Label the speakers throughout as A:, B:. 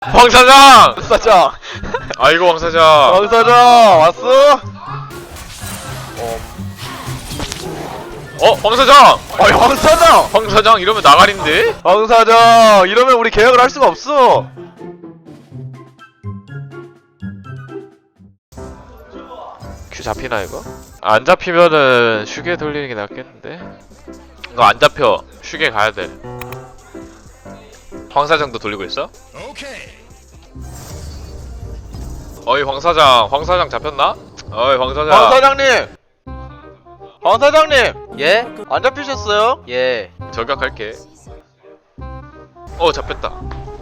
A: 황사장!
B: 황사장!
A: 아이고 황사장.
B: 황사장! 왔어?
A: 황사장!
B: 아니 황사장!
A: 황사장 이러면 나가린데?
B: 황사장! 이러면 우리 계약을 할 수가 없어!
A: 큐 잡히나 이거? 안 잡히면은 슈게 돌리는 게 낫겠는데? 이거 안 잡혀. 슈게 가야 돼. 황사장도 돌리고 있어? 어이 황사장 잡혔나? 어이 황사장.
B: 황사장님! 황사장님!
C: 예?
B: 안 잡히셨어요?
C: 예.
A: 저격할게. 잡혔다.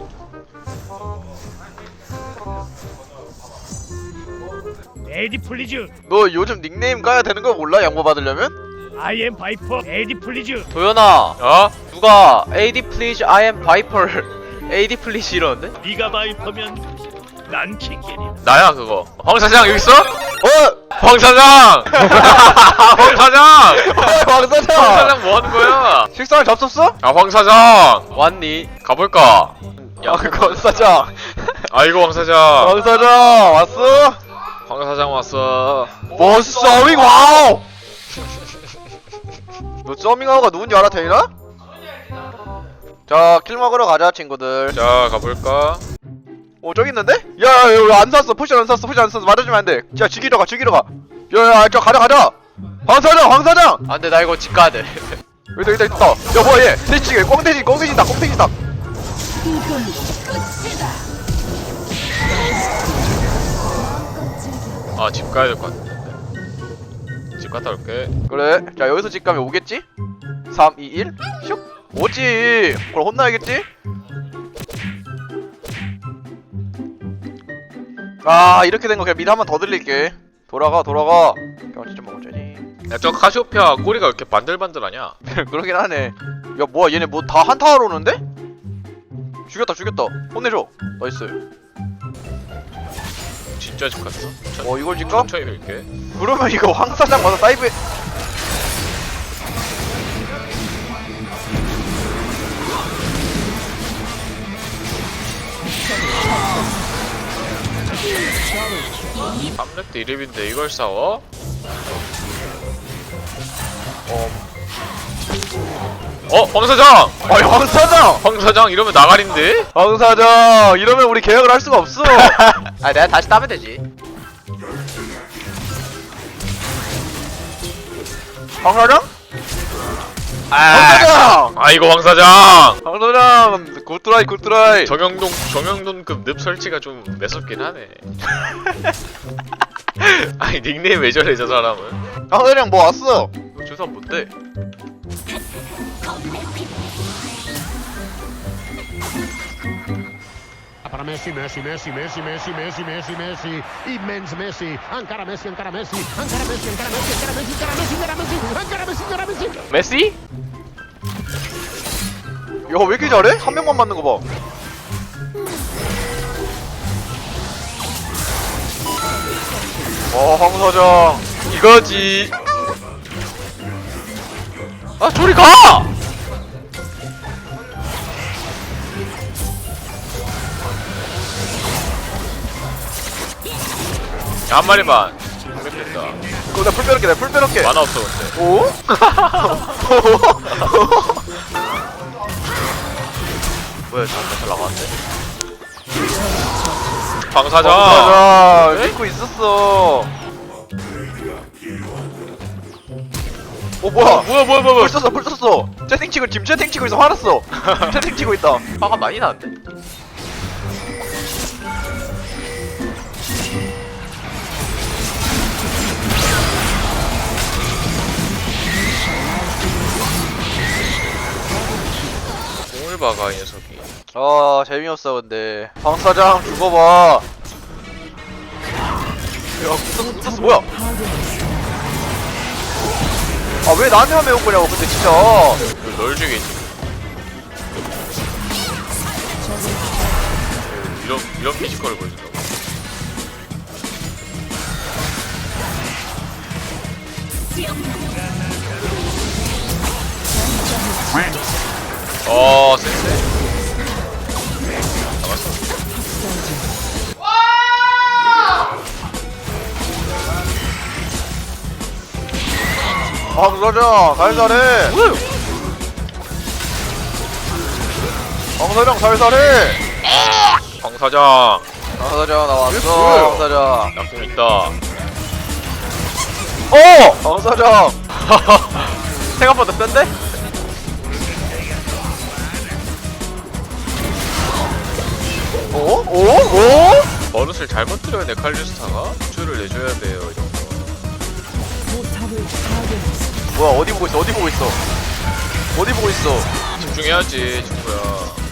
D: 에디 플리즈.
B: 너 요즘 닉네임 까야 되는 거 몰라? 양보 받으려면?
D: I am 바이퍼. 에디 플리즈.
C: 도연아, 누가 AD please I am Viper AD please 이러는데?
D: 네가 바이퍼면 난 킹겐이다.
A: 나야 그거. 황사장 여기 있어?
B: 어!
A: 황사장! 황사장!
B: 황사장!
A: 황사장 뭐 하는 거야?
B: 식사를 접속어?
A: 아 황사장!
C: 왔니?
A: 가볼까?
B: 야, 황사장!
A: 아이고 황사장.
B: 황사장! 왔어?
A: 황사장 왔어.
B: 뭐 서밍와우! 너 서밍와우가 누군지 알아, 태인아? 자, 킬 먹으러 가자, 친구들.
A: 자 가볼까?
B: 저기 있는데? 야, 여기 안 샀어. 포션 안 샀어. 포션 안 샀어. 맞아주면 안 돼. 자, 죽이러 가. 야, 저 가자. 황사장!
C: 안 돼, 나 이거 집 가야 돼.
B: 여기다 있다. 야, 뭐야, 얘. 돼지찌개. 꽁돼지다.
A: 아 집 가야 될 것 같은데. 집 갔다 올게.
B: 그래. 자, 여기서 집 가면 오겠지? 3, 2, 1. 슉. 오지. 그럼 혼나야겠지? 아, 이렇게 된 거 그냥 미리 한 번 더 들릴게. 돌아가. 경치 좀 먹어줘야지.
A: 야 저 카시오페아 꼬리가 왜 이렇게 반들반들하냐?
B: 그러긴 하네. 야, 뭐야, 얘네 뭐 다 한타하러 오는데? 죽였다. 혼내줘. 나이스.
A: 진짜 집 갔어?
B: 이걸 질까?
A: 천천히 들게.
B: 그러면 이거 황사장 와서 사이브에.
A: 삼렙대 1렙인데 이걸 싸워? 황사장!
B: 아니,
A: 황사장 이러면 나가린데?
B: 황사장! 이러면 우리 계약을 할 수가 없어!
C: 아, 내가 다시 따면 되지.
B: 황사장?
A: 아,
B: 황사장!
A: 아이고 황사장!
B: 황사장! 굿드라이!
A: 정영돈급 늪 설치가 좀 매섭긴 하네. 아니 닉네임 왜 저래 저 사람은?
B: 황사장 뭐 왔어?
A: 저 사람 뭔데?
E: Para Messi, immens Messi, encara Messi,
C: 메시?
B: 야, 왜 이렇게 잘해? 한 명만 맞는 거 봐. 황사장.
A: 이거지.
C: 아, 저리 가!
A: 야, 한 마리만. 됐다.
B: 그거 내가 풀 빼놓게.
A: 만화 없어 근데.
B: 오?
C: 뭐야, 잘 나가는데?
A: 황사장.
B: 황사장! 믿고 있었어. 뭐야?
A: 뭐야.
B: 불 썼어. 채팅 치고 있어. 화났어. 채팅 치고 있다.
C: 화가 많이 나는데?
A: 공을 박아 이 녀석이.
B: 재미없어, 근데. 황사장, 죽어봐. 야, 붙었어. 뭐야? 아, 왜 나한테만 매운 거냐고, 근데 진짜.
A: 널 죽이지. 이런 피지컬을 보여준다고. 센세. 잡았어.
B: 황사장 살살해. 황사장 살살해.
A: 황사장
B: 황사장 나
A: 이게
B: 왔어.
A: 뭐예요?
B: 황사장.
A: 나궁 있다.
B: 황사장.
C: 생각보다 센데?
B: 오? 오? 오?
A: 버릇을 잘못 들어야 네칼리스타가 주를 내줘야 돼요. 이런 거.
B: 뭐야 어디 보고 있어? 어디 보고 있어? 어디 보고 있어?
A: 집중해야지 친구야.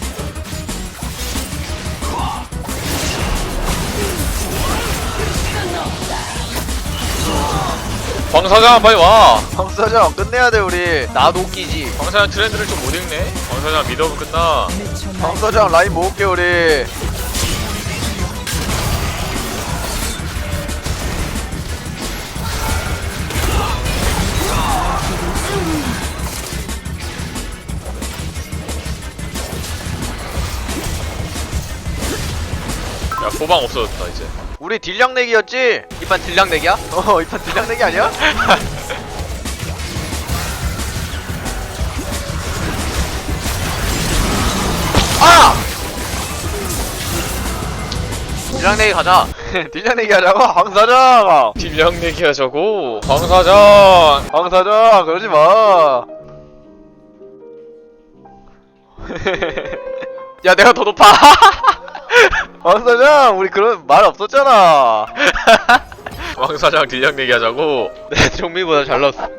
A: 황사장 빨리 와.
B: 황사장 끝내야 돼 우리.
C: 나도 웃기지.
A: 황사장 트렌드를 좀 못 읽네. 황사장 믿어면 끝나.
B: 황사장 라인 모을게 우리.
A: 야 고방 없어졌다 이제.
B: 우리 딜량 내기였지?
C: 이판 딜량 내기야?
B: 이판 딜량 내기 아니야? 아!
C: 딜량 내기 가자.
B: 딜량 내기 하자고? 황사장!
A: 딜량 내기하자고. 황사장.
B: 황사장 그러지 마.
C: 야 내가 더 높아.
B: 황사장 우리 그런 말 없었잖아.
A: 황사장 딜량 내기하자고.
C: 내 종미보다 잘 넣었어.